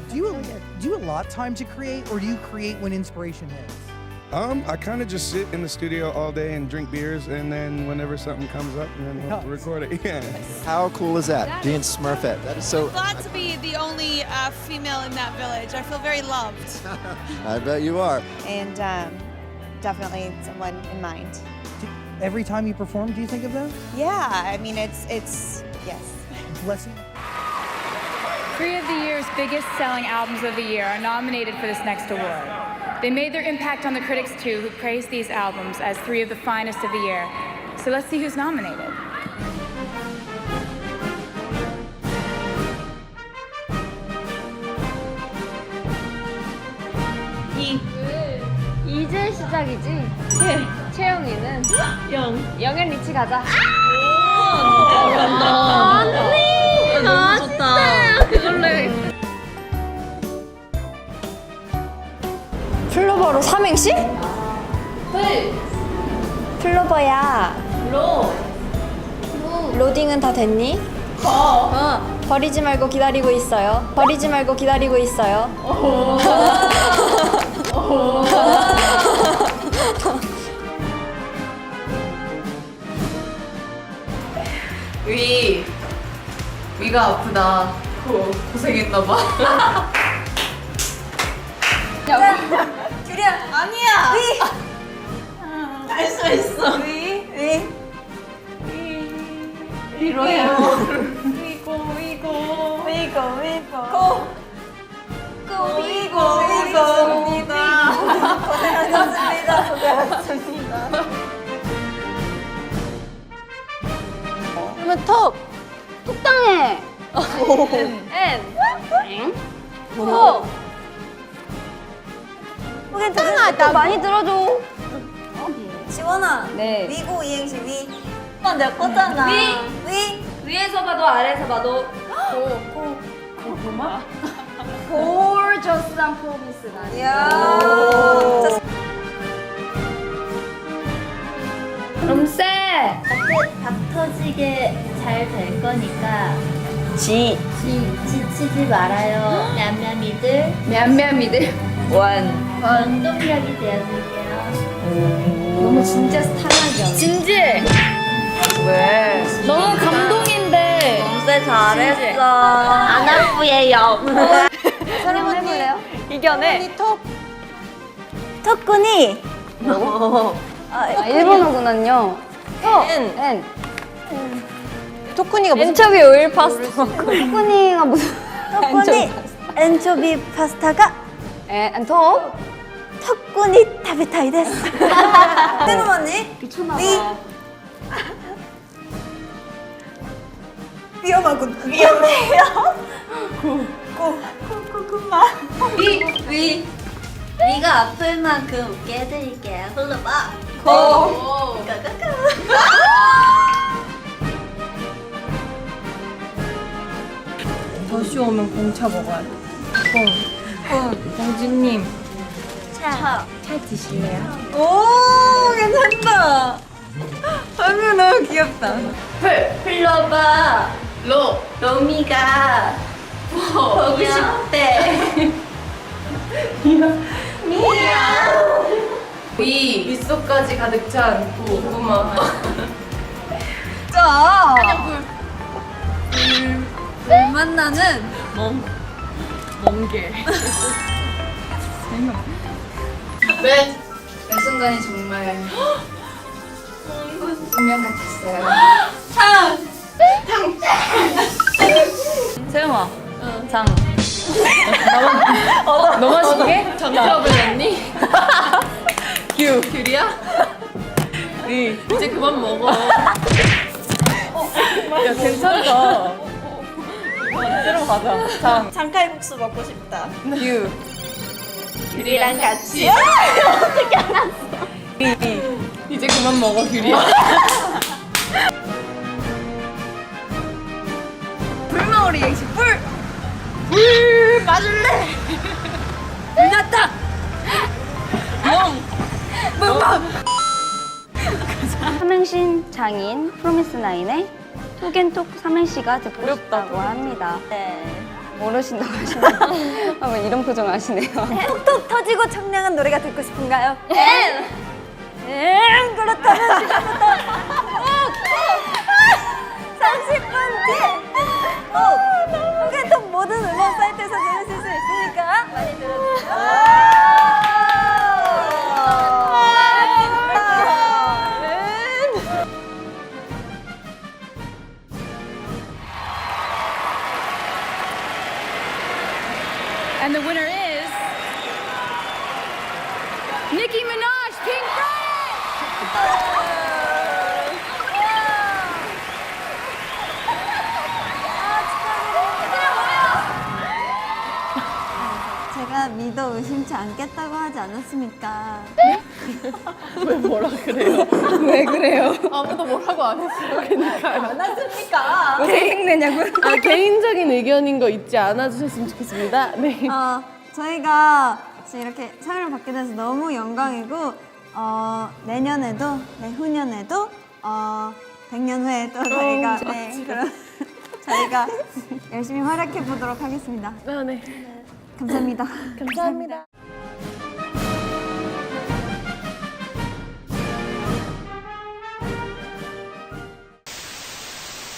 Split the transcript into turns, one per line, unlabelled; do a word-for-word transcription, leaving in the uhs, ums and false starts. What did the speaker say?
Do you do you allot time to create, or do you create when inspiration hits?
Um, I kind of just sit in the studio all day and drink beers, and then whenever something comes up, then we'll record it. Yeah.
How cool is that? Being Smurfette. That is so.
Glad to be the only uh, female in that village. I feel very loved.
I bet you are.
And um, definitely someone in mind.
Do, every time you perform, do you think of them?
Yeah, I mean, it's, it's yes.
Blessing.
Three of the year's biggest selling albums of the year are nominated for this next award. They made their impact on the critics too, who praised these albums as three of the finest of the year. So let's see who's nominated.
이. 이제 시작이지? 네. 채영이는 영. 영앤 리치 가자. 아! 언니! 너무 좋다. 그걸로 해.
플로버로 삼행시?
플.
플로버야.
로.
로딩은 다 됐니?
거. 어.
버리지 말고 기다리고 있어요. 버리지 말고 기다리고 있어요.
위 위가 아프다. 고 고생했나봐.
규리야.
아니야.
위.
할 수 있어.
위. 위.
위로해요.
위고 위고.
위고 위고.
고.
고
위고 위고입니다.
고생하셨습니다. 고생하셨습니다.
그러면 톡. 톡당해. 엔. 엔. 톡.
혹시 나 많이 들어줘.
지원아.
네.
위고 이행시 위.
오빠 내 거잖아.
위.
위.
위에서 봐도 아래에서 봐도 고. 고. 고구마? 골저스한 프로미스가.
이야.
오.
롬세.
박 터지게 잘 될 거니까
지.
지, 지치지 말아요. 냠냠이들
냠냠이들. 원.
원동력이 되어줄게요.
너무 진짜 스타일하게. 진지. 왜? 너무 감동인데.
롬세 잘했어. 안 아프예요.
사람 해볼래요?
이겨내.
톡. 톡군이.
아, 일본어구나요.
엔.
엔.
토쿠니가 무슨?
엔초비 오일 파스타. 토쿠니가 무슨?
토쿠니. 엔초비 파스타가
에, 엔토.
토쿠니 타베타이 데스. 새로운 언니.
미쳤나봐.
위. 위험하군. 위험해요. 고. 고. 고구마.
위. 위. 위가 아플 만큼 웃게 해드릴게요. 흘러봐.
고.
더쇼 오면 공차 먹어야 돼. 공. 공주님.
차.
차 드실래요?
오, 괜찮다. 아유, 너무 귀엽다.
플. 플로바.
로.
로미가 보고 싶대.
위 윗속까지 가득 찬 고구마.
자.
물 만나는 멍 멍게. 네. 이 순간이 정말 운명 같았어요.
세영아. 장. 너 마시게?
정답을 냈니? 규 규리야? 위 이제 그만 먹어.
야, 괜찮다. 새로 가자. 장.
장칼국수 먹고 싶다.
유.
규리랑 같이.
이제 그만 먹어 규리야.
불마오리 갱시 불. 불 맞을래. 불났다. 멍. 멍멍.
삼행신 장인 프로미스 나인의 톡앤톡 삼행시가 듣고 싶다고 합니다.
네.
모르신다고 하시네요. 아, 뭐 이런 표정 하시네요.
톡톡 터지고 청량한 노래가 듣고 싶은가요? 엔! 엔! 그렇다면 지금부터 삼십 분 뒤! 꼭! 팬톡 모든 음원 사이트에서 들으실 수 있으니까 많이 들어주세요.
And the winner is Nicki Minaj, Pink Friday!
제가 믿어 의심치 않겠다고 하지 않았습니까?
왜 그래요?
아무도 뭐라고 안 했어요.
않았습니까?
왜 생각내냐고?
아, 개인적인 의견인 거 잊지 않아 주셨으면 좋겠습니다. 네.
어, 저희가 지금 이렇게 상을 받게 돼서 너무 영광이고 어, 내년에도 내후년에도 어, 백 년 후에 또 저희가 네, 그럼 저희가 열심히 활약해 보도록 하겠습니다.
아, 네.
감사합니다.
감사합니다.